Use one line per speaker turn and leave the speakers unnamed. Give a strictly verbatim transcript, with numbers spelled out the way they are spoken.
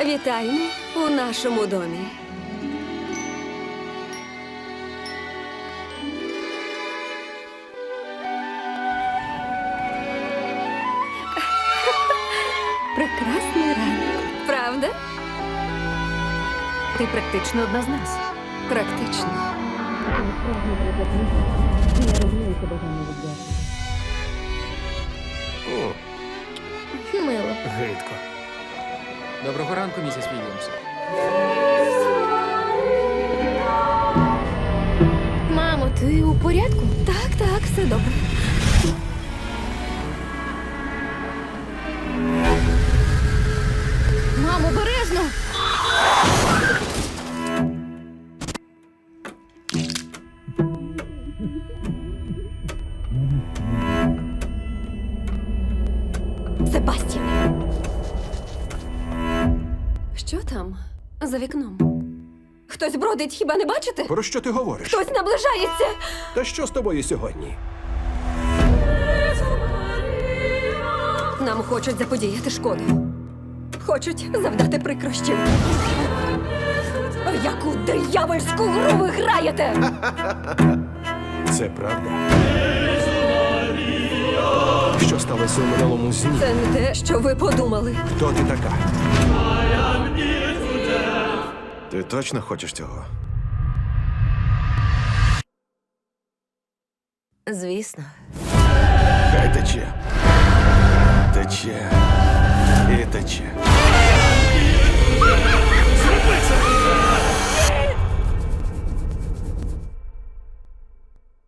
Вітаємо у нашому домі. Прекрасний ранок. Правда?
Ти практично одна з нас.
Практично.
О,
Мило.
гидко. Доброго ранку, місіс Вільямс.
Мамо, ти у порядку?
Так, так, все добре.
Мамо, обережно!
Себастьян. Що там за вікном? Хтось бродить, хіба не бачите?
Про що ти говориш?
Хтось наближається.
Та що з тобою сьогодні?
Нам хочуть заподіяти шкоду. Хочуть завдати прикрощів. Яку диявольську гру ви граєте?
Це правда? Що сталося у минулому зні?
Це не те, що ви подумали.
Хто ти така?
Ти точно хочеш цього?
Звісно.
Хай тече. Тече. І тече.
Зроби це!